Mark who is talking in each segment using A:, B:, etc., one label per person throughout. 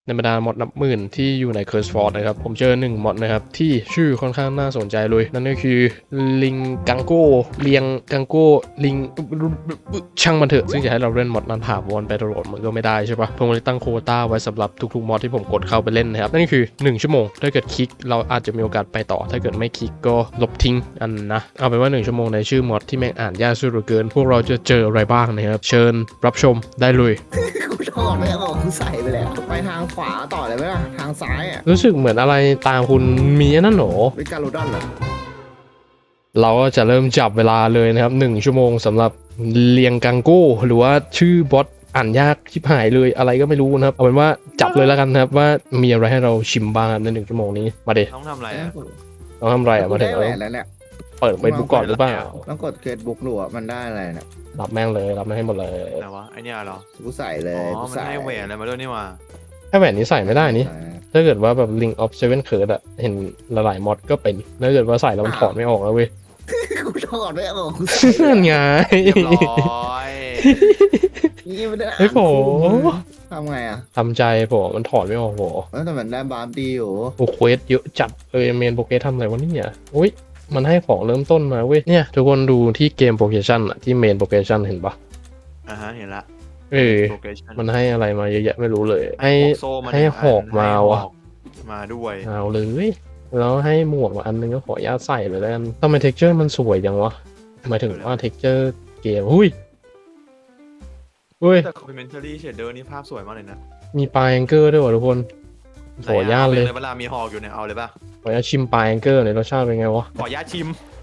A: ในบรรดามอดนับหมื่นที่อยู่ใน CurseForge นะครับผมเจอ1มอดนะครับที่ชื่อค่อนข้างน่าสนใจเลยนั่นก็คือลิงกังโก้เลียงกังโก้ลิงช่างมันเถอะซึ่งจะให้เราเล่นมอดนั้นถาวรไปตลอดมันก็ไม่ได้ใช่ปะผมเลยตั้งโควต้าไว้สำหรับทุกๆมอดที่ผมกดเข้าไปเล่นนะครับนั่นก็คือ1ชั่วโมงถ้าเกิดคลิกเราอาจจะมีโอกาสไปต่อถ้าเกิดไม่คลิกก็ลบทิ้งอันนะเอาเป็นว่า1ชั่วโมงในชื่อมอดที่แม่งอ่านยากสุดเหลือเกินพวกเราจะเจออะไรบ้างนะครับเชิญรับชมได้เลย
B: กูถอดไม่ออกกูใส่ไปแล้วไปทางขวาต่อเลยไหมล่ะทางซ้ายอ่ะ
A: รู้สึกเหมือนอะไรตามคุณมีอันนั่นหรอ
B: เป็นการโรดอนเหรอ
A: เราก็จะเริ่มจับเวลาเลยนะครับ1ชั่วโมงสำหรับเลียงกังโก้หรือว่าชื่อบอสอ่านยากชิบหายเลยอะไรก็ไม่รู้นะครับเอาเป็นว่าจับเลยแล้วกันนะครับว่ามีอะไรให้เราชิมบ้างใน1ชั่วโมงนี้มาเด
C: ต้องทำอะไรอ่ะ
A: ต้องทำอะไรอ่ะมาเถ
B: ได้
A: อะ
B: แหวนแล้วเนี่ย
A: เปิดเฟซบุ๊กก่อนหรือเปล่า
B: ต้องกดเฟซบุ๊กหรือว่ามันได้อะไรเนี่ย
A: รับแม่งเลยรับแม่งให้หมดเลย
C: ไหนวะไอเนี่ยเหรอ
B: กูใส่เล
C: อ๋
B: ย
C: อ
B: กู
C: มัน
B: ใส่
C: ให้แหวนอะไรมาด้วยนี่หว่า
A: แค่แหวนนี้ใส่ไม่ได้นี่ถ้าเกิดว่าแบบ Link of Seven Curse อะเห็นหลายๆมอดก็เป็นถ้าเกิดว่าใส่แล้วมันถอดไม่ออกแล้วเว้ย
B: กูถอดไม่ออกกูใส่
A: นั่นไง
C: เรียบร้อย
B: นี่มันได้
A: เฮ้ยโผ
B: ทำไงอ่ะ
A: ทำใจผมมันถอดไม่ออกโห
B: แต่มันได้บาร์ดีอยู่
A: โอ้เควสเยอะจัดเลยเมนโปเกสทำอะไรวะเนี่ยอุ้ยมันให้ของเริ่มต้นมาเว้ยเนี่ยทุกคนดูที่เกมโปเกชันอะที่เมนโปเกชันเห็นปะ
C: เห็นละ
A: เออ
C: Progression
A: มันให้อะไรมาเยอะแยะไม่รู้เลย ให้
C: พกโซ่มา
A: ให้
C: นึ่ง
A: หอกมา
C: ให้
A: ว่ะ
C: หอกมาด้วย
A: เอาเลยแล้วให้หมวกมาอันนึงก็ขออนุญาตใส่เลยแล้วกันทำไมเท็กเจอร์มันสวยจังวะหมายถึงว่าเท็กเจอร์เกมหุ้ย
C: แต่ Complementary Shader นี่ภาพสวยมากเลยนะ
A: มีปลายแองเกอร์ด้วยว่ะทุกคนขออนุญาตเลย
C: เวลามีหอกอยู่เนี่ยเอาเลยป่ะ
A: ขออนุญาตชิมปลายแองเกอร์หน่อยรสชาติเป็นไงวะ
C: ขออนุญาตชิม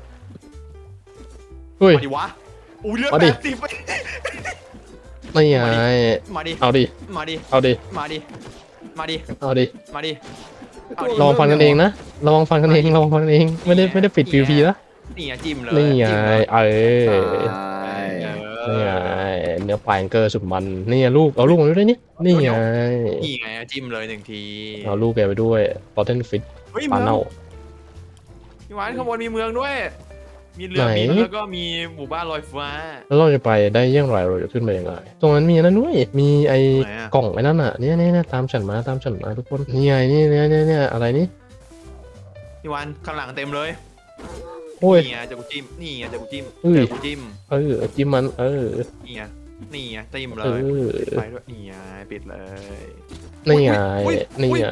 A: เฮ้ย
C: มาดิวะอุ้ยเลือด
A: มาดิ
C: 80
A: ไม่ไง
C: มาดิ
A: เอาดิ
C: มาดิ
A: เอาดิ
C: มาดิมาดิ
A: เอาดิ
C: มาดิ
A: ลองฟังกันเองนะลองฟังกันเองลองฟังกันเองไม่ได้ปิด PVP นะ
C: นี่ไงจิ้มเลย
A: นี่ไง
C: จิ้มเลย
A: เออ
B: ใช่
A: นี่ไงเนื้อปลายแองเกอร์สุดมันนี่ไงลูกเอาลูกมาด้วยนี่นี่ไง
C: นี่ไงจิ้มเลย1 ที
A: เอาลูกแกไปด้วยปอเทนฟิต
C: เฮ้ย
A: ปลา
C: เมือง
A: เน่า
C: พี่หวานข้างบนมีเมืองด้วย มีเรือ
A: ไหน
C: บินแล้วก็มีหมู่บ้านลอยฟ้า
A: แล้วเราจะไปได้อยังไรเราจะขึ้นไปยังไงตรงนั้นมีนั่นด้วยมีไอ้
C: ไหนอะ
A: กล่องไอ้นั่นอ่ะเนี่ยตามฉันมาทุกคนนี่ไงนี่เนี่ยอะไรนี่
C: พี่หวานข้างหลังเต็มเลย
A: โอ้ย
C: นี่ไงเจะกูจิ้มนี่ไงเจะกูจิ้ม
A: อุ้ย
C: เจอกูจิ้ม
A: จิ้มมัน
C: นี่ไงนี่ไงจิ้มเล
A: เอย อ
C: ไปด้วยนี่ไงปิดเลย
A: นี่ไง
C: อุ๊ย
A: นี่ไง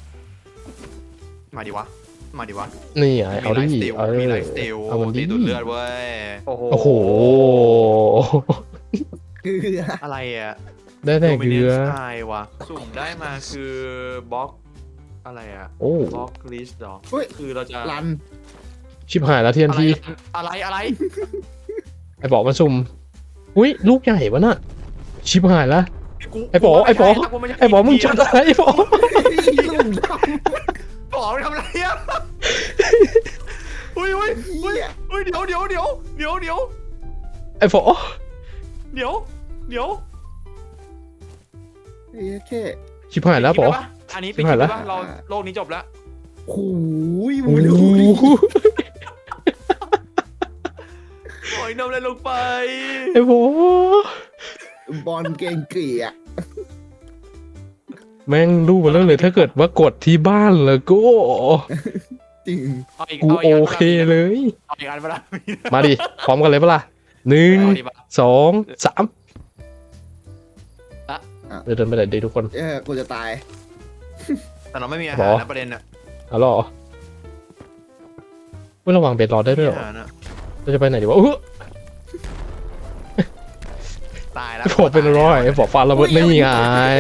C: มาดิวะมาดิวะ
A: นี่ไงเอาดิ
C: มีไลฟ์สติล
A: เอามันดิ
C: ตีดูดเลือดเว้ยโอ้โห
A: โอ้โห
B: เกลือ
C: อะไรอ่ะ
A: ได้แต่เกลือ
C: ใช่วะสุ่มได้มาคือบล็อกอะไรอ่ะ
A: โอ้
C: บล็อกลิสต์หรอ
B: เฮ้ย
C: คือเราจะ
B: รัน
A: ชิบหายแล้วเทียน
C: อะไร
A: ที
C: อะไร
A: ไอ้บอกมันซุ่มอุ้ยลูกใหญ่วะน่ะชิบหายแล้ว ไอ้ป๋อมึงจัดอะไรไอ้ป๋อ
B: ลุ่มด
C: ป๋อไปทำอะไรอ่ะอุ้ย
B: ำเหี้ย
C: เดี๋ยว
A: ไอ้ป๋อ
C: เดี๋ยว
B: เฮ้ยแค่
A: ชิบหายแล้วป๋อ
C: อันนี้
A: ชิ
C: ปิด
A: บ
C: ค
A: หาย
C: ลิป
A: แล้ว
C: ได้ปะเราโลกนี้จบแล้ว
B: โอ้ย
A: โอ้
B: มึง
A: โห
C: โอ้ยนมอะไรลงไป
A: ไอ้ป๋อบ
B: อลเก่งเกลี่ย
A: แม่งรู้มาแล้วเลยถ้าเกิดว่ากดที่บ้านแล้วก็
B: จริง
C: เอาอีก
A: กู
C: เอา
A: โอ
C: อีก
A: เคเลย
C: เอาอีกอันเวลา
A: มาดิพร้อมกันเลยปะล่ะหนึ่ง
C: เอาดิปะ
A: 2 3
C: อะ
A: เดินไปไหนดีทุกคน
B: กูจะตาย
C: แต่เราไม่มีอา
A: หร
C: หาร
A: อ
C: นะประเด็นน่ะ
A: เอาหรอเว้ยระวังเบรรอได้ด้วยเหรอ
C: อาหารน่ะ
A: เราจะไปไหนดีวะ
C: ตายแล้ว
A: ไอ้บอกเป็นร้อยไอ้บอกฟาระเบิดนี่ไง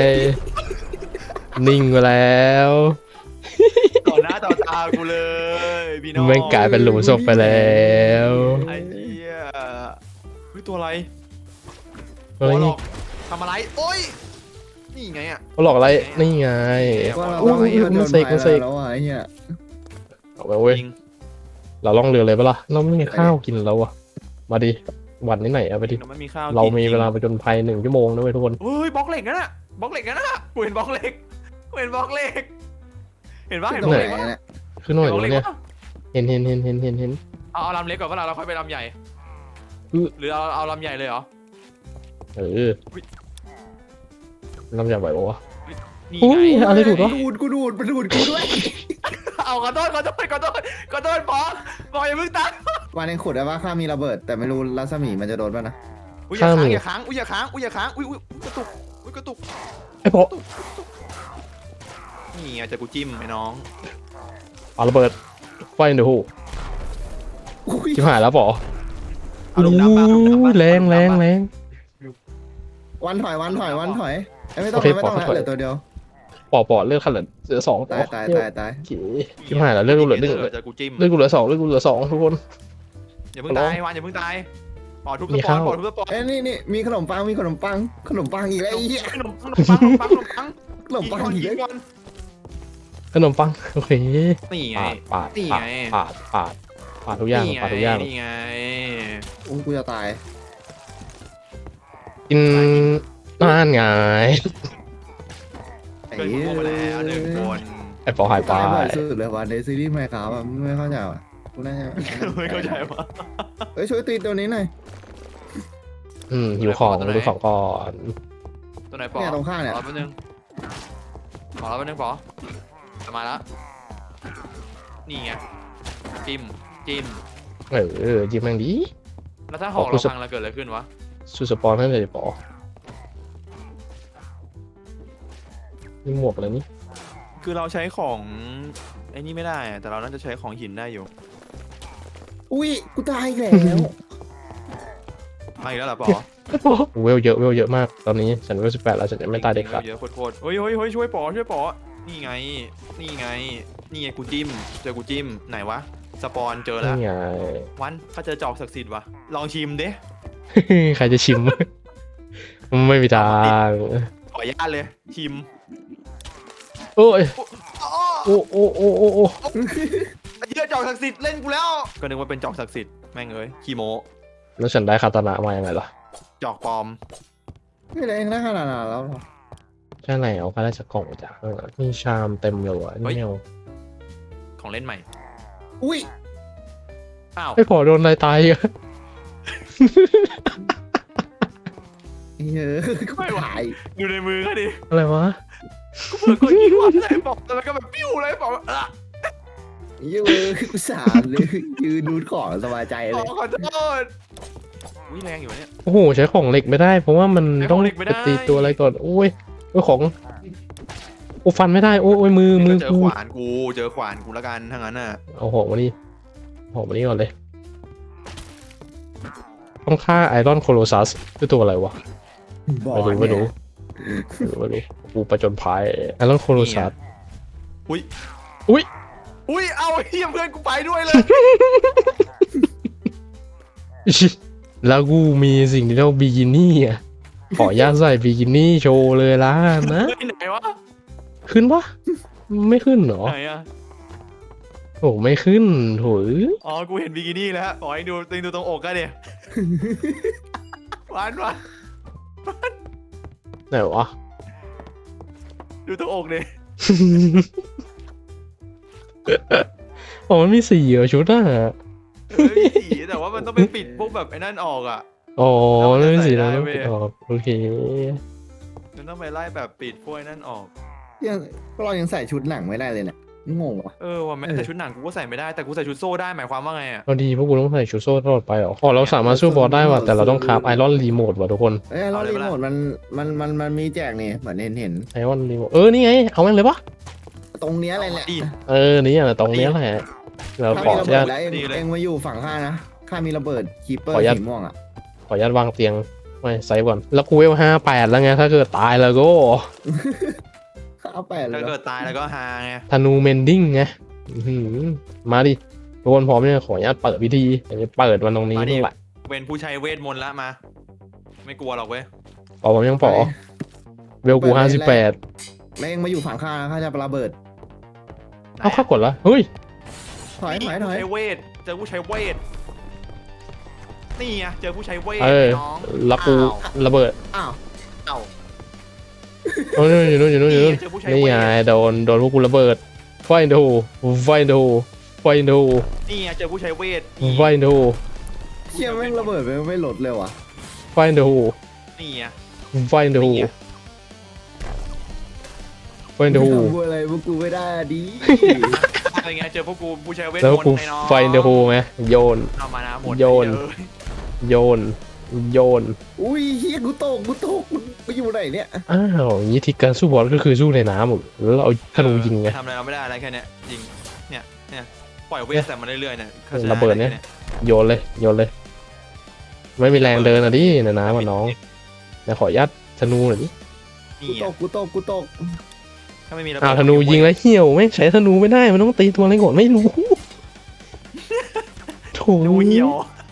A: นิ่งไปแล้ว
C: ต่อหน้าต่อตากูเลยพี่น้อง
A: แม่งกลายเป็นหลุมศพไปแล้ว
C: ไอ้เหี้ยเฮ้ยตัวอะไร
A: เฮ้ย
C: หัวหลอกทำอะไรโอ้ยนี่ไงอ่ะ
A: เขาหลอกอะไรนี่ไง
B: ว่าเรา
A: อุ้
B: ต้อง
A: ย
B: ให้
A: มันเสกมันเสก
B: แล้วอ่ะไอ้เนี่ย
A: เอาไปเว้ย
C: จริง
A: เราล่องเรือเลยปะล่ะเราไม่มีข้าวกินแล้วอะมาดิวันนี้ไหนเอาไปดิ
C: เราไม่มีข้าว
A: เรามี
C: กิน
A: เวลาไปจนภัย1 ชั่วโมงนะเว้ยทุกคน
C: เฮ้ยบล็อกเหล็กนั่นน่ะบล็อกเหล็กนั่นน่ะกูเห็นบล็อกเหล็กกูเห็นบล็อกเหล็กเห็นปะเห็นบ
B: ตร
C: ล็
B: ง
C: อก
B: ไห
C: เห
B: น
C: ล็กปะ
B: เนี่ย
A: คือหน่อย
C: เห็นบล็อกเหล็ก
A: เนี่ย
C: ปะ
A: เห็น
C: เอาลำเล็กก่อนว่าเราค่อยไปลำใหญ่
A: อือ
C: หรือเอาลำใหญ่เลยเหรอ
A: เออลำใหญ่ไหวปะวะ
C: นี่
A: อุ้
C: ไง
A: ยอะไรถูกวะ
B: กูดูดมันดูดกูด้วย
C: เอาขอโทษปออย่าเพิ่งตัด
B: วันเองขุดได้ว่าข้ามีระเบิด แต่ไม่รู้รัศมีมันจะโดนป่ะนะ
C: อุ้ยอย่าค้างอุ้ยอย่าค้างอุ้ยกระตุกอุ้ยกระตุก
A: ไอ้พอ
C: นี่ไงจะกูจิ้มไอ้น้อง
A: เอาระเบิดไฟเดี๋ยวหู
B: อุ้ย
A: ชิบหายแล้วปอ
C: เอาลงน้ำบ้าง
A: แรงแรงแรง
B: วันถอยเอ้ยไม่ต้อง
A: โอเค
B: ไม่ต้อง
A: ปล่อย
B: แล้วเหลือตัวเดียว
A: ปอเลือดขันเหลือสอง
B: ตาย
A: โอเคชิบหายแล้วเลือดกูเหลือหนึ่ง
C: จะกูจิ้ม
A: เลือดกูเหลือสองเลือดกูเหลือสองทุกคน
C: อย่าเพิ่งตายวันอย่าเพิ่งตายปอทุบ
A: มี
C: สปอ
A: ข้าน ว
C: ปอทุบสปอน
B: เอ้ยนี่มีขนมปังอีกแล้วไอ้เหี้ย
C: ขนมปัง
B: ขนมปังอีก
C: กิ
B: แล้ว
C: นก่อน
A: ขนมปังโอเค
C: นี่ไง
A: ปาด
C: นี่ไง
A: ปาดทุกอย่างปาดทุกอย่าง
C: นี่ไง
B: อุ้ยกูจะตาย
A: กินน่านไง
B: ไอ้
C: เกิด
B: เหี้ย
C: โง่มาแล้วหนึ่งคน
A: ไอ้ปอหายไป
B: ตายบ่อยสุดเลยวันในซีรีส์ไมค์ครับอะไม่เข้าใจว่ะกูน่าจะ
C: ไม่เข้าใจว่า
B: เฮ้ยช่วยตีตัวนี้หน่อย
A: หิวของดูของก่อน
C: ตัวไหนปอ
B: เนี่ยตรงข้างเนี่ย
C: รอแป๊บนึงปอมาแล้วนี่ไงจิ้ม
A: จิ้มแม่งดี
C: แล้วถ้าหอกเราพังแล้วเกิดอะไรขึ้นวะ
A: สุดสปอนให้เลยปอนี่หมวกอะไรนี่
C: คือเราใช้ของไอ้นี่ไม่ได้อะแต่เราน่าจะใช้ของหินได้อยู่
B: อุ้ยกูตายอีกแล้ว
C: มาอีกแล้วเหรอปอ
A: เวลเยอะมากตอนนี้ฉันเวล18แล้วฉันจะไม่ตายเด็กขาด
C: เยอะโคตรเฮ้ยช่วยปอนี่ไงนี่ไงกูจิ้มเจอกูจิ้มไหนวะสปอนเจอแล้ว
A: นี่ไง
C: วันเขาเจอจอกศักดิ์สิทธิ์วะลองชิมดิ
A: ใครจะชิม ไม่มีทาง
C: ขออนุญาตเลยชิม
A: โอ้ย
C: อ๋อ
A: โอ้
C: ไอ้เหี้ยจอกศักดิ์สิทธิ์เล่นกูแล้วก็นึกว่าเป็นจอกศักดิ์สิทธิ์แม่งเอ้ยขี้โม
A: แล้วฉันได้คาตานะมายังไงล่ะ
C: จอกปลอม
B: ไม่ได้เองนะขนาดนั้นแล้วหรอ
A: ใช่ไหนเอาไปได้จากกล่องมาจากมีชามเต็มเลยว่ะนี่ไม่เอา
C: ของเล่นใหม่
B: อุ้ย
C: อ้าว
A: ไม่พอโดนอะไรตายอ่ะ
B: เฮ้ยกูตาย
C: ดูในมือเขาดิ
A: อะไรวะ
C: กูเปิดกดยิงวัดเลยบอกแต่มันก็แบบปิ้วเลยบอกว่า
B: เหี้ยอะกูสามเลยยืนดูของสบายใจเลย
C: ขอโทษอุ้ยแรงอยู่เนี่ย
A: โอ้โหใช้ของเหล็กไม่ได้ เพราะว่ามัน
C: ใช้ข
A: ต้
C: อ
A: อง ง
C: เหล็กไม่ได้
A: ตีตัวอะไรก่อนโอ้ยของโอ้ฟันไม่ได้โอ้ยมือ
C: เจอ
A: กู
C: ขวานกูแล้วกันทั้งนั้นน่ะ
A: เอาหอกมานี่หอกมานี่ก่อนเลยต้องฆ่าไอรอนโคโลซัสคือตัวอะไรวะ
B: บอก
A: ไม่รู้กูประจนภัยไอรอนโคโลซัส
C: อุ้ยเอาไอ้เหี้ยเพื่อนกูไปด้วยเลย
A: แล้วกูมีสิ่งที่เรียกว่าบิกินี่อ่ะขออนุญาตใส่บิกินี่โชว์เลยละนะ
C: เฮ้ยไหนวะ
A: ขึ้นปะไม่ขึ้นเหรอ
C: ไหนอะ
A: โอ้ไม่ขึ้นโถย
C: อ๋อกูเห็นบิกินี่แล้วขอให้ดูตรงอกกันดิหวาน
A: ไหนวะ
C: ดูตรงอกดิ
A: อ๋อมันมีสีเหรอชุดอ่ะ
C: เฮ้ยสีแต่ว่ามันต้องไปปิดพวกแบบไอ้นั่นออกอ่ะ
A: อ๋อ
C: แล้วมันจะ
A: ไม่มีสี
C: ใส่
A: แล้ว
C: ได้
A: ต้อง
C: เว้ย
A: ปิดออกโอเค
C: มันต้องไปไล่แบบปิดพวกไอ้นั่นออก
B: ยังเรายังใส่ชุดหนังไม่ได้เลยเนี่ยงงว่ะ
C: ว่าแม้แต่ชุดหนังกูก็ใส่ไม่ได้แต่กูใส่ชุดโซ่ได้หมายความว่าไงอ่ะ
A: พอดีพวกกูต้องใส่ชุดโซ่ตลอดไปเหรออ๋อเราสามารถสู้บอสได้ว่ะแต่เราต้องคราฟไอรอนรีโมทว่ะทุกคน
B: เอ้ยเรารีโมทมันมีแจกนี่เหมือนเห็น
A: ไอรอนรีโมทนี่ไงเอาแม่งเลยปะ
B: ตรงเนี้ยอะไรแหละ
C: ดี
A: นี่อ่ะตรงเนี้ยแหละเรา
B: ถ้า
A: ขอ
B: มี
A: อ
B: ระ
A: นุ
B: เบิ
A: ญา
B: ด
A: ต
B: แล้ว
C: ดีเลย
B: เองมาอยู่ฝั่งข้านะข้ามีระเบิดคีเปอร์
A: ขออนุญาต
B: สีม่วงอ่ะ
A: ขออนุญาตวางเตียงไม่ไซส์ก่อนแล้วกูเวล58แล้วไงถ้าเกิดตายแล้วก็
B: ข้าเอาไปเลย
C: ถ้าเกิดตายแล้วก็ฮาไง
A: ธนูเมนดิ้งไงมาดิทุกคนพร้อมเนี่ยขออนุญาตเปิดพิธีจะเปิดวันตรงนี้นี่แหละ
C: เป็นผู้ใช้เวทมนต์ละมา ไม่กลัวหรอกเว้ย
A: ปอผมยังปอเวลกู58
B: แล้วเองมาอยู่ฝั่งข้านะข้าจะระเบิด
A: เอาข้ากดละเฮ้ย
B: ถอย
C: ผู้ใช้เวทเจอผู้ใช้เวทนี่ไงเจอผู้ใช้เวทน้อง
A: แล้วกูระเบิด
B: อ้าว
C: เอ้า
A: โอ้ยอยู่นู่นนี่ไงโดนพวกกูระเบิดไฟดู
C: นี่ไงเจอผู้ใช้เวท
B: เชี่ยแม่งระเบิดไม่ลดเลยว่ะ
C: นี่ไง
A: ไฟดูไฟเดอะโฮ
B: กูอะไรพวกกูไม่ได้ดิ
C: อะไรเงี้ยเจอพวกกูผู้ใช้เวท
A: แล้ว
C: มน
A: กู
C: ต์ไอ้น้อง
A: ไฟเดอะโฮไหมโยน
C: เอามานะหมด
A: โยน
C: เออ
A: โยนโยน
B: อุ้ยเฮียกูตกกูอยู่ไหนเนี่ย
A: อ้าวอย่างนี้ทิศการสู้บอสก็คือสู้ในน้ำหมดแล้วเราเอาธนูยิงไง
C: ทำอะไรเราไม่ได้อะไรแค่เนี้ยยิงเนี่ยปล่อยเวทแต่มาเรื่อยๆเนี่ยข้าใจ
A: ระเบิดเนี่ย โยนเลยโยนเลย ไม่มีแรงเดินอ่ะดิในน้ำอ่ะน้องเดี๋ยวขอยัดธนูหน่อยดิ
C: นี่
B: กูตก
C: ถ้าไม่มีระเบิด
A: อ้าวธนูยิงแล้วเหี่ยวไม่งใช้ธนูไม่ได้มันต้องตีตัวอะไรก่อนไม่รู้โถ
C: ธนูเหี่ยว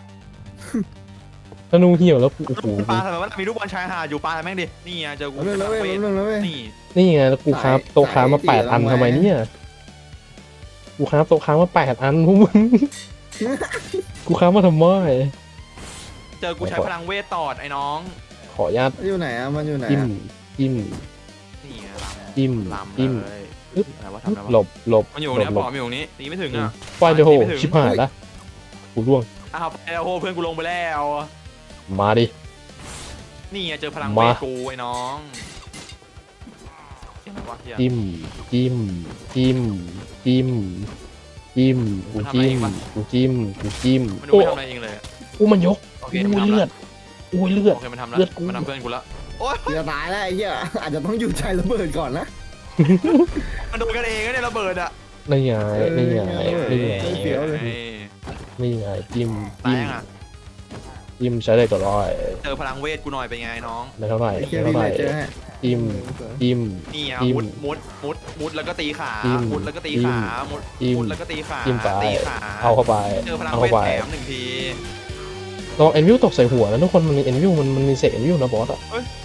A: ธนูเหี่ยวแล้วโอ้โห
C: ปลาทำไมวะมีลูกบอลชายหาดอยู่ปลาแม่งดินี่ไงเจอกู
B: เรื่องแล้วเว้ยเรื่องแล้วเว้ย
C: นี่
A: นี่ไงแล้วกูค้าโต๊ะค้ามา8 อันทำไมเนี่ยกูค้าโต๊ะค้ามา8 อันพวกมึงกูค้ามาทำไม
C: เจอกูใช้พลังเวทตอดไอ้น้อง
A: ขออนุญาต
B: มันอยู่ไหนอะมันอยู่ไหน
A: จิ้ม
B: อะ
A: จิ้ม
C: นี่ไงลำ
A: จิ้ม
C: ลำ
A: จิ้ม
C: เลย
A: อึ๊บ
C: อะไรวะทำอะไร
A: หล
C: วะ
A: บหลบ
C: มันอยู่
A: หล
C: เนี่ย
A: บ
C: ปอมอยู่ตรงนี้ตีไม่ถึงอ่ะ
A: ไฟเดอะโฮ
C: ตีไม่ถึง
A: ชิบหายละกูร่วง
C: อ้าวไปแล้วโหเพื่อนกูลงไปแล้ว
A: มาดิ
C: นี่ไงเจอพลัง
A: มา
C: เวทกูไอ้น้องเห็นไหมวะเหี้ย
A: จิ้มจิ้มจิ้มจิ้มจิ้มกูจิ้มกูจิ้มกูจิ้ม
C: มันดู
A: โอ้
C: ไม่ทำอะไรเองเลยอะ
A: กูมันยก
C: โอเค
A: อุ้ย
C: มันทำ
A: เลือ
C: ละ
A: ดอุ้ยเลือด
C: โอเคมันทำละ
A: เลือดกู
C: มันทำเพื่อนกูละโอ๊ย
B: จะตายแล้วไอ้เหี้ยอาจจะต้องหยุดใช้ระเบิดก่อนนะ
C: มันโดนกันเองนะเนี่ยระเบิดอ่ะ
A: นี่ไงนี่ไงนี่ไง
B: เสียวเลย
A: นี่ไงจิ้ม
C: ตาย
A: จิ้ม
C: ยังอ่ะ
A: จิ้มใช้ได้ก็ร้อย
C: เจอพลังเวทกูหน่อยเป็นไงน้อง
A: ไม่เท่าไหร่
B: ไอ้เหี้ย
A: ไม่
B: พี่
A: เท่าไห
B: เล
A: ร่
B: ยเจอฮะ
A: จิ้มจิ้ม
C: นี่อ่ะ
A: จิ้ม
C: มุดแล้วก็ตีขา
A: จิ้ม
C: มุดแล้วก็ตี
A: จิ้ม
C: ขามุด
A: จิ้ม
C: มุดแล้วก็ตีขา
A: จิ้มไป
C: ตีขา
A: เอาเข้าไป
C: เจอพลัง
A: เอา
C: เว
A: เข้า
C: ท
A: ไป
C: แถมหนึ่งที
A: ลองเอ็นวิวตกใส่หัวนะทุกคนมันมีเอ็นวิวมันมีเศษเอ็นวิวนะบอสอะ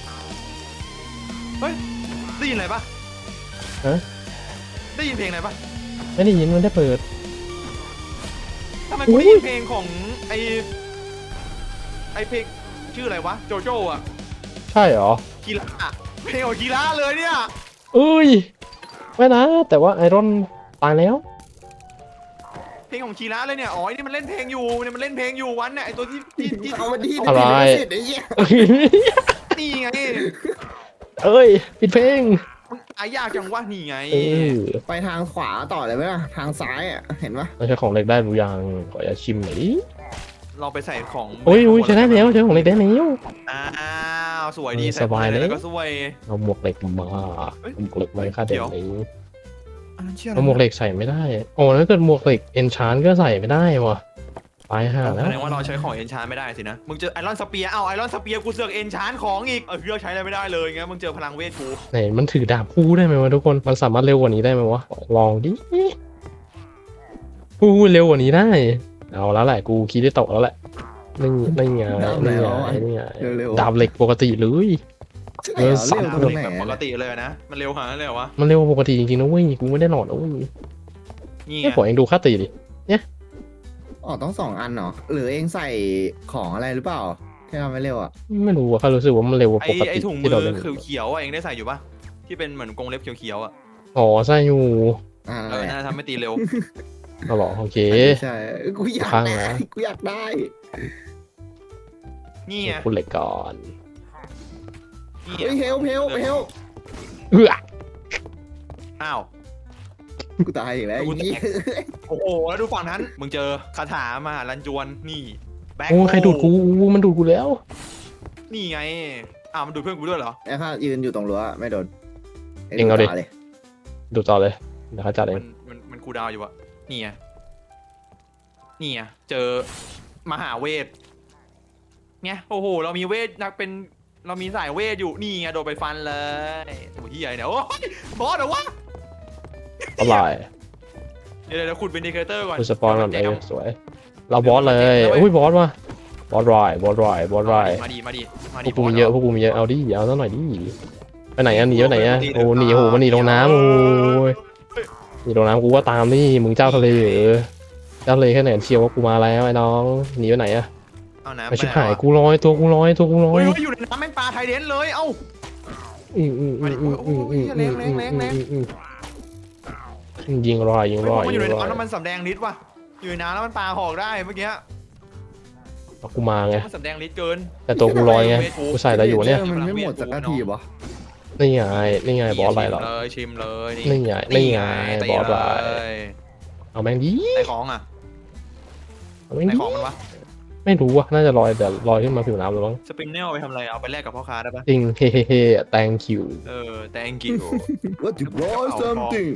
C: ได้ยินอะไรปะ
A: ฮะ
C: ได้ยินเพลงอะไรปะ
A: ไม่ได้ยินมันได้เปิด
C: ทำไม
A: อุ๊
C: กู
A: ย
C: ได้ยินเพลงของไอเพลงชื่ออะไรวะโจโจ้อะ
A: ใช่เหรอ
C: กีฬาอะเพลงของกีฬาเลยเนี่ย
A: เอ้ยไม่นะ แต่ว่าไอรอนตายแล้ว
C: เพลงของกีฬาเลยเนี่ยอ๋อไอ้นี่มันเล่นเพลงอยู่เนี่ยมันเล่นเพลงอยู่วันเนี่ยไอตัวที่
B: เอามาดี
A: อะไร
B: ไอ้เหี้ย
C: นี่ไง
A: เอ้ยปิดเพลง
C: มันตายยากจังวะนี่ไง
A: เออ
B: ไปทางขวาต่อเลยไหมล่ะทางซ้ายอ่ะเห็นปะ
A: ไม่ใช่ของเล็กได้หรือยังขออย่าตชิมหน่อยดิ
C: เราไปใส่ของ
A: โอ้ยโอ้ยใช้ได้แล้วใช้ของเล็กได้แล้ว
C: อ้าวสวยดี
A: เออ
C: ใส่
A: สบายเลย
C: แล้วก็สวย
A: เอาหมวกเหล็กมาเอาหมวกเหล็กมาค่าเด็กนี้
C: อันนั้นเชื่อ
A: เอาหมวกเหล็กใส่ไม่ได้โอ้ถ้าเกิดหมวกเหล็กเอนชานก็ใส่ไม่ได้ว่ะตายห่าแล้
C: แส
A: ว
C: ดงว่าเราใช้ของเอนชานไม่ได้สินะมึงเจอไอรอนสเปียร์เอาไอรอนสเปียร์กูเสือกเอนชานของอีกเลือกใช้อะไรไม่ได้เลยงั้นมึงเจอพลังเวทกู
A: ไหนมันถือดาบคู่ได้ไหมวะทุกคนมันสามารถเร็วกว่านี้ได้ไหมวะลองดิคู่เร็วกว่านี้ได้เอาแล้วแหละกูคิดได้ตกแล้วแหละนี่นี่ไงนี่ไงนี่ไง
B: เร็ว
A: ดาบเหล็กปกติเลย
B: ๆเร็ว
A: สับ
B: ตรงไหน
C: แบบปกติเลยนะมันเร็วขนาดนั้นเลยเหรอวะ
A: มันเร็วกว่าปกติจริงๆนะเว้ยกูไม่ได้หลอดนะเว้ย
C: นี่ไง
A: แค่ขอเองดูค่าตีดิ
B: อ๋อต้อง2 อันเหรอหรือเองใส่ของอะไรหรือเปล่าที่ทำให้เร็วอ่ะ
A: ไม่รู้อะข้ารู้สึกว่ามันเร็วกว่าปก
C: ไอ
A: ติ
C: ถุงมื
A: ที่เรา
C: อ
A: เล่น
C: เขียวๆอ่ะเองได้ใส่อยู่ปะที่เป็นเหมือนกรงเล็บเขียวๆอ่ะ
A: อ๋อใช่อยู่
C: เออน่าจะทำให้ตีเร็ว
A: เอาเหรอโอเค
B: ใช่กูอยาก
A: ข้าง
B: ได้
A: นะ
B: กูอยากได้
C: นี่ไง
A: คุณเหล็กก่อน
C: นี่
B: เฮ้ยเฮล
A: เ
B: เ
A: อื้อ
C: อ้าว
B: กูตายอีกแล้วไอ้เหี้ย
C: โอ้โหแล้วดูฝั่งนั้นมึงเจอคาถามาลันจวนนี่แบ็ค
A: โอ้ใครดูดกูมันดูดกูแล้ว
C: นี่ไงอ้าวมันดูดเพื่อนกูด้วยเหรอ
B: ไอ้ข้ายืนอยู่ตรงรั้วไม่โดน
A: เองเอาดิ
B: ตเลย
A: ดูต่อเลยเดี๋ยวเขาจัดเอง
C: มันคูลดาวน์อยู่อะนี่ไงนี่ไงเจอมหาเวทไงโอ้โหเรามีเวทนักเป็นเรามีสายเวทอยู่นี่ไงโดนไปฟันเลยโอ้ยเฮียเนี่ยโอ้ยบอสเหรอวะ
A: อร่อย
C: เดี๋ยวขุดเป็นอินดิเคเตอร์ก่อน
A: คุณสปอนก่อนเออสวยเราบอสเลยอุ้ยบอสว่ะบอสรายบอสรายบอสราย
C: มาดีมาดีมา
A: พ
C: ดี
A: วกกูมีเยอะพวกกูมีเยอะเอาดิเอาซะหน่อยดิไปไหนอะหนีไปไหนอะโอ้หนีโอ้โหมันหนีลงน้ำโอ้ยหนีลงน้ำกูก็ตามดิมึงเจ้าทะเลเหรอเจ้าทะเลแค่ไหนเชียวว่ากูมาแล้วไอ้น้องหนีไปไหนอะ
C: เอาน้ำ
A: ไอชิบหายกูลอยตัวกูลอยตัวกูลอ
C: โอ้
A: ย
C: ยอยู่ในน้ำแม่งปลาไทยเดนเลยเอ้า
A: ยิงรอยยิงรอย
C: มันอ
A: ยิ
C: ยู่
A: ง
C: ใน
A: รอย
C: น้ำแล้วมันสำแดงฤทธิ์ว่ะอยู่ในน้ำแล้วมันปลาหอกได้เมื่อกี้
A: เอากูมาไง
C: มันสำแดงฤทธิ์เกิน
A: แต่ตัวกูลอยไงกูใส่อะไรอยู่เนี่ย
B: มันไม่หมดสักทีวะ
A: นี่ไงนี่ไงบอสอะไรหรอ
C: ชิมเลย
A: นี่ไงนี่ไง
C: ตี
A: บอสอะไร
C: เลย
A: เอาแม่งดี
C: ในของอ่ะ
A: เอาแม่ง
C: ใน
A: ดี
C: ของมันวะ
A: ไม่รู้ว่ะน่าจะลอยแต่ลอยขึ้นมาผิวน้ำหรือมั้ง
C: สปินเนลไปทำอะไรเอาไปแลกกับพ่อค้าได้ปะ
A: จริงเฮ้เฮ้เฮ้ thank you
C: thank you
B: What you buy something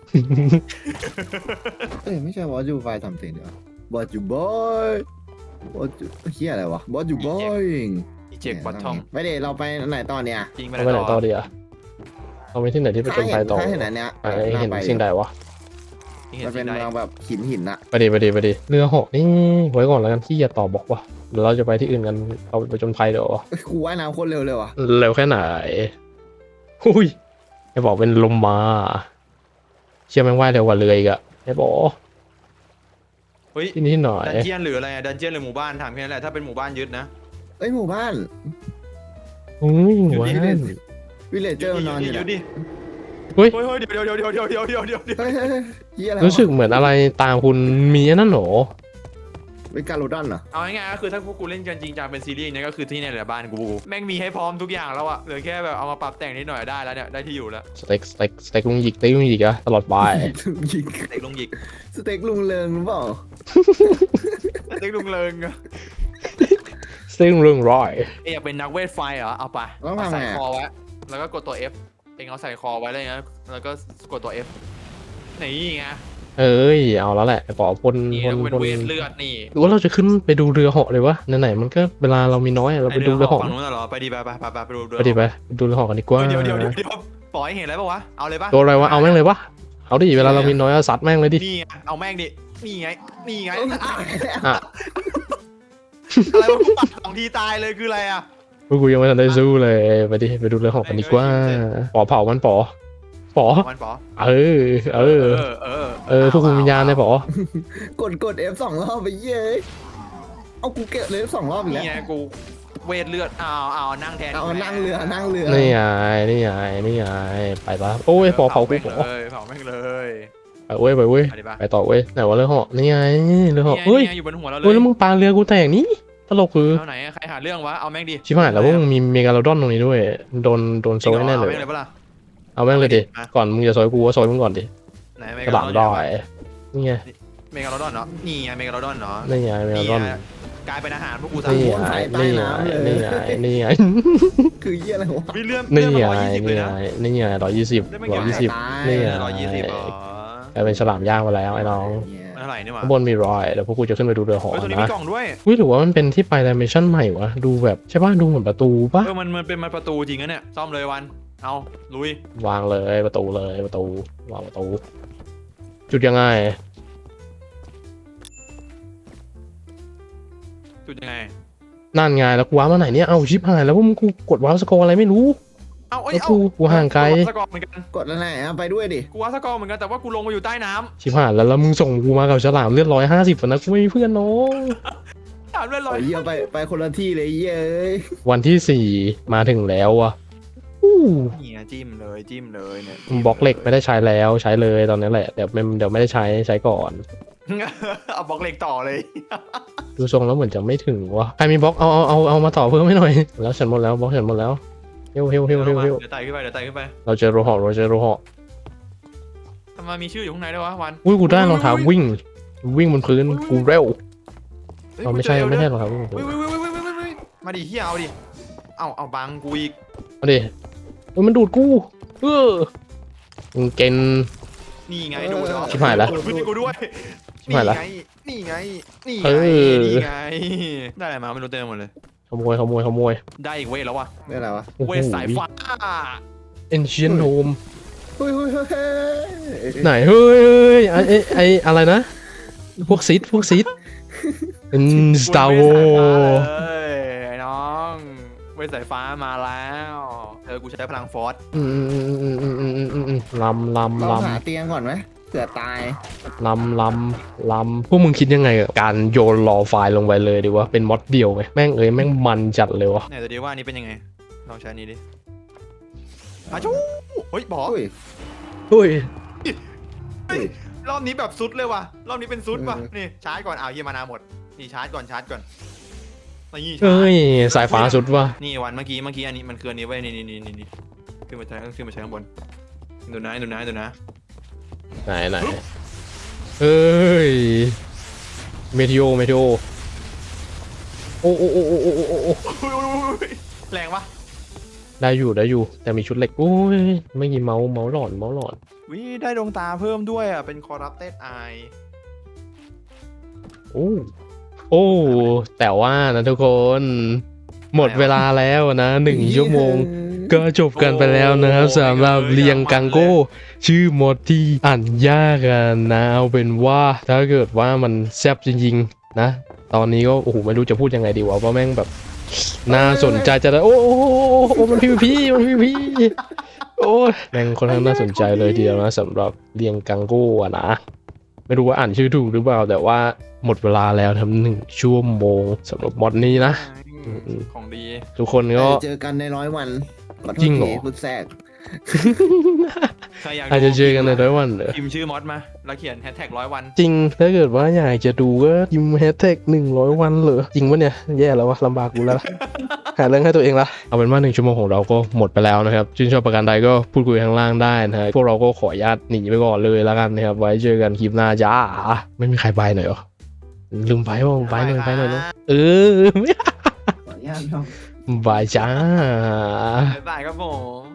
B: เอ้ยไม่ใช่ What you buy something เดี๋ยว What you buy What you เฮียอะไรวะ What you buying
C: อีเจกบอททอม
B: ไม่เดี๋ยวเราไปไหนต่อเนี่ย
C: จริงไป
A: เอาไปไหนต่อดีอะเอาไปที่ไหนที่ไปจนไฟต่อ
B: ถ้าเห็นอันเนี้ย
A: ไอ้เห็นสิ่งใดวะ
B: มันเป็นเมืองแบบหินอะ
A: ไปดิเรือเหาะนี่ไว้ก่อนแล้วกันที่อย่าต่อบอกว่าเดี๋ยวเราจะไปที่อื่นกันเราไปจนไฟเดี๋ยว
B: เอ้ยกูว่ายน้ำโคตรเร็วเลยว่ะ
A: เร็วแค่ไหนหุยไอ้บอกเป็นลมมาเชื่อแม่งว่ายเร็วกว่าเรืออีกอะไอ้บอก
C: เฮ้ย
A: ที่นี่หน่อย
C: ดันเจียนหรืออะไรดันเจียนหรือหมู่บ้านถามแค่นั้นแหละถ้าเป็นหมู่บ้านยึดนะ
B: เอ้ยหมู่บ้าน
A: อุ้ยห
C: อยู่
A: วา
C: ที่
A: น
B: วิลเลจเจอร์นอนอยู่
C: ยึ
B: นะ
C: ดดิ
A: เฮ้ย
C: เฮ้ยเดี๋ยว
B: เฮ้ยเฮียอะไร
A: รู้สึกเหมือนอะไรตามคุณมีอันนั่นเหรอ
B: เป็นการโรดอนเหรอ
C: เอาง่ายๆก็คือถ้าพวกกูเล่นกันจริงจังเป็นซีรีส์เนี่ยก็คือที่เนี่ยแหละบ้านกูแม่งมีให้พร้อมทุกอย่างแล้วอะเหลือแค่แบบเอามาปรับแต่งนิดหน่อยได้แล้วเนี่ยได้ที่อยู่แล้ว
A: สเต็กลุงหยิกอะตลอดไป
B: ยิง
C: สเต็กลุงหยิก
B: สเต็กลุงเริงหรือเปล่า
C: สเต็กลุงเลิงอะ
A: สเต็กเรื่องร้อย
C: เอยอยากเป็นนักเวทไฟเหรอเอาไป
B: ต้อง
C: เอา
B: ทำ
C: ใส่
B: ไง
C: คอไว้แล้วก็กดตัว F เองเอาใส่คอไว้เลยนะแล้วก็กดตัว F นี่ไง
A: เอ้ยเอาแล้วแหละไอ้ปอพ่น
C: นี่
A: พ่น
C: แล้วก็เป็น
A: พ่น
C: เวทเลือดนี่
A: หรือว่าเราจะขึ้นไปดูเรือเหาะเลยวะไหนๆมันก็เวลาเรามีน้อยอะเราไปดูเรือเหาะ
C: ฝั่งนู้นน่ะเหรอไปดีไปดูเรือ
A: ไปดิไปดูเรือเหาะกันดีกว่า
C: เดี๋ยวปล่อยให้เห็นอะไรปะวะเอาเลยปะ
A: ตัวอะไรวะเอาแม่งเลยวะเอาดิเวลาเรามีน้อยอะซัดแม่งเลยดิ
C: นี่ไงเอาแม่งดินี่ไง
A: อ่ะ
C: อะไรวะกูปัดสองทีตายเลยคืออะไรอ่ะ
A: พวกกูยังไม่ทันได้สู้เลยไปดิไปดูเรือเหาะกันดีกว่าปอเผามันปอ
C: มันปอ
A: เออพวกคุณวิญญาณเลยปอก
B: ด F 2 รอบไปเย้ยเอากูเก็บเลย F 2 รอบอีกแล้ว
C: นี่ไงกูเวทเลือดเอานั่งแทน
B: เอานั่งเรือ
A: นี่ไงไปปะโอ้ยปอเผากูปอ
C: เผาแม่งเลย
A: ไปเว้ย
C: ไปดิปะ
A: ไปต่อเว้ยไหนว่าเรือเหาะนี่ไงเรือเหาะเฮ้ย
C: อยู่บนหัวเราเล
A: เฮ้ย
C: ย
A: แล้วมึงปาเรือกูแตกนี่ตลกคือ
C: เอาไหนใครหาเรื่องวะเอาแม่งดิ
A: ชิบหายแล้วพวกมึงมีเมกาโลดอนตรงนี้ด้วยโดนโซยแน่เลย
C: อาแม่งเลยปะล่ะ
A: เอาแม่งเลยดิก่อนมึงจะโซยกูก็โซยมึงก่อนดิ
C: ไหน
A: กระดาษดอยนี่ไง
C: เมกาโลดอนเนาะนี่ไงเมกาโลดอนเนาะ
A: นี่ไงเมกาโลดอน
C: กลายเป็นอาหารพวกกูสาม
A: นี่
C: คน
A: ไงนี่ไง
B: คือเยี่ยอะไรวะ
C: วิเลื่อม
A: นี่ไง
C: 120เลยนะ
A: นี่ไง120
B: ตาย
A: นี่ไง
C: 120อ๋อก
A: ลายเป็นฉลามย่างมาแล้วไอ้น้อง
C: เท่าไหร่นี่หว่า
A: ข้างบนมีรอยเดี๋ยวพวกกูจะขึ้นไปดูเรือหอ
C: เฮ้ยตัวนี้มี
A: นะ
C: กล่องด้วย
A: อุ้ยหรือว่ามันเป็นที่ไปดิเมชั่นใหม่วะดูแบบใช่ป่ะดูเหมือนประตูป่ะ
C: มันเป็นประตูจริงนะเนี่ยซ่อมเลยวันเอาลุยว
A: างเลยประตูวางประตู จุดยังไง
C: จุดยังไง
A: นั่นไงแล้วกูว้ามาไหนเนี่ยเอาชิปหายแล้วพวกมึงกูกดว้าวสกอร์อะไรไม่รู้
C: เอาเอ้ย
A: แล้วกูห่างไกล
C: กูวสกอร์เหมือนกัน
B: กดอะไรไปด้วยดิ
C: กูว่าสกอร์เหมือนกันแต่ว่ากูลงมาอยู่ใต้น้
A: ชิบหายแล้วมึงส่งกูมากับฉลามเลือด150นะกูไม่มีเพื่อนน้อง
C: ำถามเรื่องล
B: โอ้
C: อย
B: ยเยี่ยไปคนละที่เลยเย้ย
A: วันที่4มาถึงแล้วอะอู้
C: เนี่ยจิ้มเลยเนี่ย
A: บล็อกเหล็กไม่ได้ใช้แล้วใช้เลยตอนนี้แหละเดี๋ยวไม่ได้ใช้ก่อน
C: เอาบล็อกเหล็กต่อเลย
A: ดูทรงแล้วเหมือนจะไม่ถึงวะใครมีบล็อกเอามาต่อเพิ่มให้หน่อยแล้วฉันหมดแล้วบล็อกฉันหมดแล้วเฮ้ว
C: เดี๋ยวไต่ขึ้นไป
A: เราเจอโรหะ
C: ทำไมมีชื่ออยู่ข้างในด้วยวะวัน
A: อุ้ยกูได้รองเท้าวิ่งบนพื้นกูเร็ว
C: เฮ้ย
A: เราไม่ใช่
C: กูเจอ
A: รอง
C: เอ
A: เท้าวิ่ง
C: เว้ยมาดิเฮียเอาดิเอาบังกูอีก
A: มาดิมันดูดกูมึงเกณฑ์
C: นี่ไงดูด
A: ชิบหายละ
C: ดูดกูด้วย
A: ชิบหายละ
C: นี่ไง
A: เออ
C: ได้อะไรมาไม่รู้เต็มหมดเลย
A: ขโมย
C: ได้อีกเวทแล้ววะ
B: นี่อะไรวะ
C: เวทสายฟ้า
A: Ancient Home
B: เฮ้ย
A: ไหนเฮ้ยไออะไรนะพวกซิดเป็น Star
C: เวท
A: Wars
C: สายฟ้าเลยไอ้น้องเวทสายฟ้ามาแล้วกูใช้พลังฟอส
A: ลำ
B: เราหาเตียงก่อนไหมเผื่อตาย
A: ลำพวกมึงคิดยังไงกับการโยนรอไฟล์ลงไปเลยดีวะเป็นมอดเดียวไหมแม่งมันจัดเลยวะ
C: ไหนตัวดีว่าอันนี้เป็นยังไงลองใช้อันนี้ดิอาจูเฮ้ยบอก
B: อุ้ย
A: เฮ้ย
C: รอบนี้แบบซุดเลยว่ะรอบนี้เป็นซุดว่ะนี่ชาร์จก่อนเฮียมานาหมดนี่ชาร์จก่อนนี่
A: เฮ้ยสายฟ้าสุดว่ะ
C: นี่วันเมื่อกี้อันนี้มันคืออันนี้ไว้ยนี่ขึ้นมาใช้ข้างบนดูนะ
A: ไหนเอ้ยเมทิโอโอ้
C: แรงปะ
A: ได้อยู่แต่มีชุดเหล็กโอ้ยไม่มีเมาส์หลอน
C: วิได้ดวงตาเพิ่มด้วยอ่ะเป็น corrupted eye
A: โอ้แต่ว่านะทุกคนหมดเวลาแล้วนะ1 ชั่วโมง ก็จบกันไปแล้วนะครับสำหรับเรียงกังโก้ชื่อมดที่อ่านยากกันนะเอาเป็นว่าถ้าเกิดว่ามันแซ่บจริงๆนะ ตอนนี้ก็โอ้โหไม่รู้จะพูดยังไงดีวะเพราะแม่งแบบน่าสนใจจะได้โอ้มันพีโอ้แม่งค่อนข้างน่าสนใจเลยทีเดียวนะสำหรับเรียงกังโก้อะนะไม่รู้ว่าอ่านชื่อถูกหรือเปล่าแต่ว่าหมดเวลาแล้วทำ1 ชั่วโมงสำหรับมอดนี้นะ
C: ของดี
A: ทุกคนก็
B: เจอกันใน100 วันขอโทษ
A: จริงเหรอ
B: ทีพูดแทรก
C: ใครอยาก
A: อาจจะเจอกันใน100 วันเหรอ
C: พิมพ์ชื่อมอสมาแล้วเขียนแฮชแท็ก100 วัน
A: จริงถ้าเกิดว่าอยากจะดูก็พิมพ์แฮชแท็ก100 วันเหรอจริงปะเนี่ยแย่แล้ววะลำบากกูแล้วล่ะ หาเรื่องให้ตัวเองละเอาเป็นว่า1 ชั่วโมงของเราก็หมดไปแล้วนะครับชื่นชอบประการใดก็พูดคุยข้างล่างได้นะฮะพวกเราก็ขออนุญาตหนีไปก่อนเลยแล้วกันนะครับไว้เจอกันคลิปหน้าจ้าไม่มีใครไปหน่อยเหรอลืมไปว่าไปหน่อยเนอะเออ
B: ขออนุญาตครับ
A: บายจ้า
C: บ๊ายบายครับผม